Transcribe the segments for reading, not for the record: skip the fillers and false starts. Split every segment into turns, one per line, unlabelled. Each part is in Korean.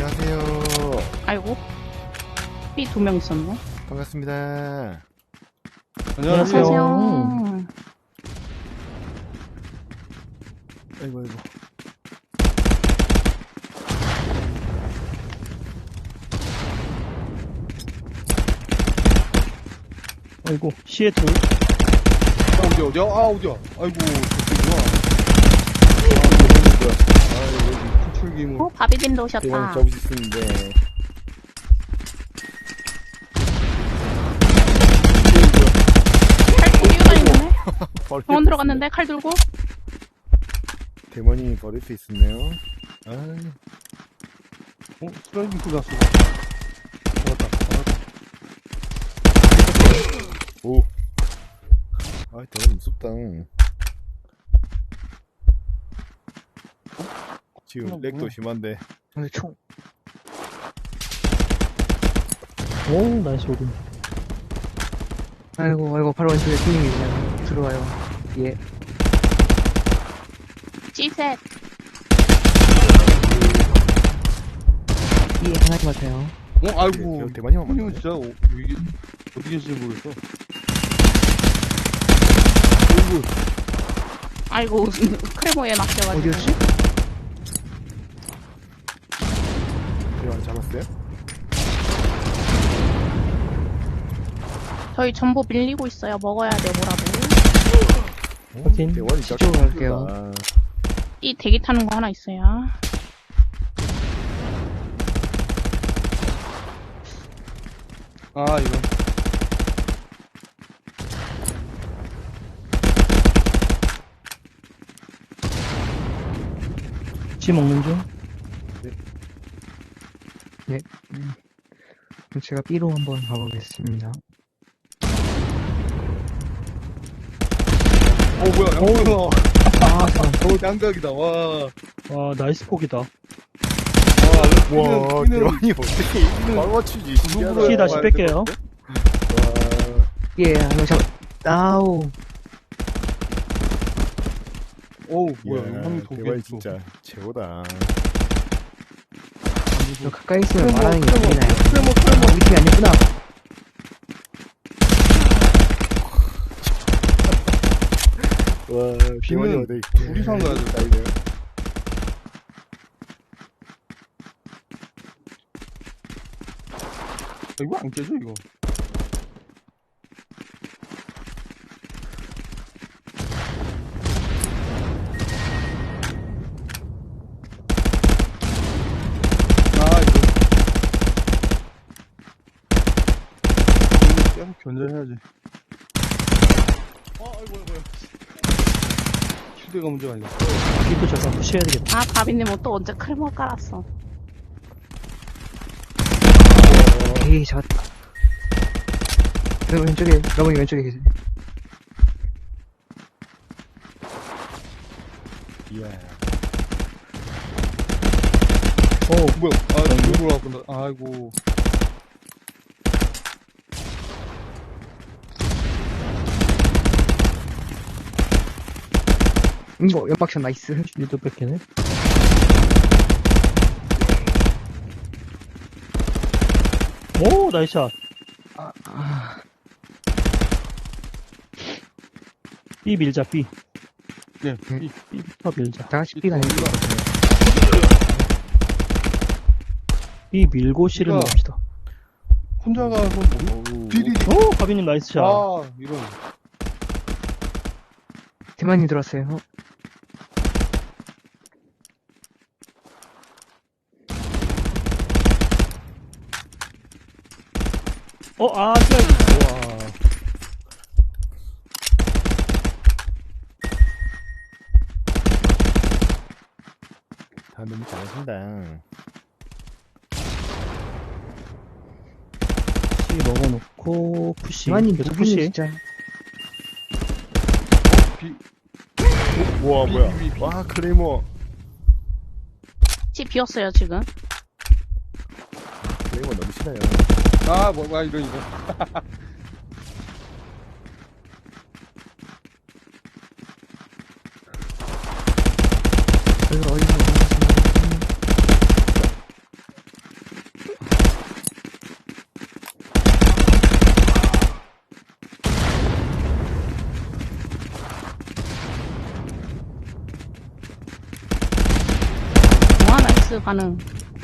안녕하세요.
아이고, B 2명 있었네.
반갑습니다.
안녕하세요.
어서오세요.
아이고, 아이고.
아이고, 시에 둘.
어디야? 아, 어디야? 아이고, 저쪽이구나. 아, 여기 구출기물.
어, 바비님도
대왕
오셨다.
접으셨는데.
칼 들고 다니네.
버릴
병원
수
들어갔는데 칼 들고.
있네. 대머리 버릴 수 있었네요. 아,
슬라이딩 풀 났어. 잡았다.
오. 아, 대머리 무섭다. 지금 렉도 심한데.
근데 총.
오, 나이스 오른.
아이고, 바로 왼쪽에 손님이 그냥 들어와요. 예.
G셋.
예, 하나 같아요.
아이고.
대머리만
형님은
만나네.
진짜, 이게, 어디 계신지 모르겠어.
아이고, 크레모에 낚여가지고.
어디였지?
대왕 잡았어요?
저희 전부 밀리고 있어요. 먹어야 돼, 뭐라도.
확인.
대머리
이쪽으로 갈게요.
이 대기 타는 거 하나 있어요.
아, 이거.
지 먹는 중.
그럼 제가 B로 한번 가보겠습니다.
뭐야, 양각이다.
아, 잠깐.
양각이다, 와.
아, 나이스 폭이다.
와,
뛰는-
대왕이 어떻게 바로 맞추지? 신기하다.
시 다시 뺄게요.
와,
예, 한명 아우.
어우, 뭐야,
이야,
한명 더
대왕이
위에 있어.
진짜 최고다.
저 가까이 있으면
크레모,
말하는 게
크레모,
보이나요?
크레모.
우리 팀이 아니구나.
와,
비는
대왕이 어디
둘이서 가야 돼.
다이네요.
이거 안 깨져, 이거. 계속 견제해야지. 아이고. 휴대가 문제가 아니야.
B도 잠깐 푸시해야 되겠다.
아, 바비님 또 언제 크레모 깔았어.
에이, 잡았다. 여러분 왼쪽에, 여러분이 왼쪽에 계세요.
이야.
뭐야. 아, 이거 올라왔구나. 아이고.
이거, 연막샷 나이스.
B도 뺏기네. 오, 나이스 샷. B 밀자, B.
네,
B부터 밀자.
다 같이 B가 아니고.
B 밀고 C를
그러니까-
먹읍시다.
혼자 가서 뭐,
어우.
비리.
오, 가비님 나이스 샷.
이런.
대만이 들어왔어요.
슬라이드.
우와. 다 너무 잘하신다.
C 먹어놓고, 푸시.
대만이
계속
누구니,
푸시.
진짜.
우와,
비,
뭐야.
비, 비.
와, 크레모.
집 비었어요, 지금.
크레모 너무 싫어요.
이런, 이거.
그래서 어디서
나이스 가능.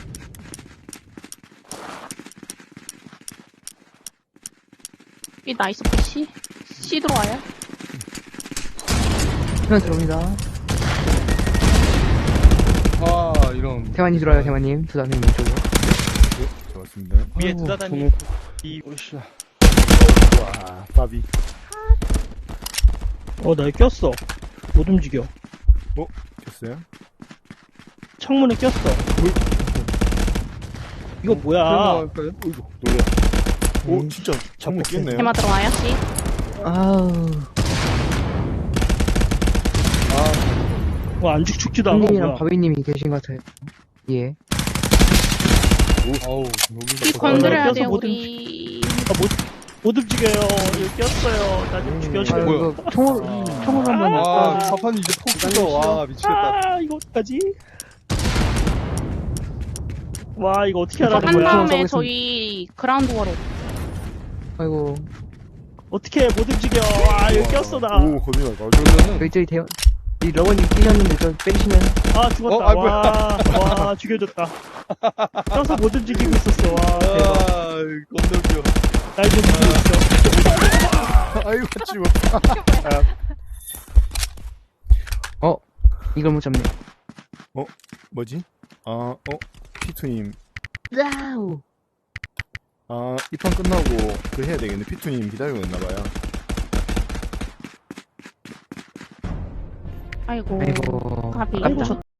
이 나이스 푸시. C 들어와요.
그냥 들어옵니다.
아, 이런.
대만님 들어와요, 대만님. 두단님 왼쪽으로.
좋았습니다.
위에
아이고,
두다다니.
오씨.
와, 빠비.
나 꼈어. 못 움직여.
됐어요?
창문에 꼈어. 이거 뭐야?
할까요?
어이구, 놀래. 오, 진짜 창문 깼네요.
테마 들어와요, C.
아우.
안 죽지도 않고
형님이랑
뭐야.
바비님이 계신 것 같아요. 예.
아우,
C
여기서.
건드려야
껴서
돼요,
못
우리.
못 움직여요. 여기 꼈어요. 나 좀 죽여줘요.
뭐야?
이거 총으로 한번.
아, 파판 이제 폭 뜯어. 와, 미치겠다.
아, 이거 어떡하지? 와, 이거 어떻게
저
하라는
한
거야?
다음에
써보겠습니다.
저희 그라운드 워로.
아이고.
어떻게 못 움직여? 와, 이거 꼈어, 나.
오, 거미 날
그러면은,
저희 이 러버님 뛰셨는데 저 빼주시면.
아, 죽었다.
아, 뭐야.
와, 죽여줬다. 껴서 못 움직이고 있었어. 와, 대박.
아, 겁나 웃겨.
날 좀 움직이고 있어.
아이고, 죽었다.
이걸 못 잡네.
뭐지? 피투님.
와우.
이 판 끝나고 그 해야 되겠네. 피투님 기다리고 있나봐요.
아이고.
아이고.
가비.
아이고, 저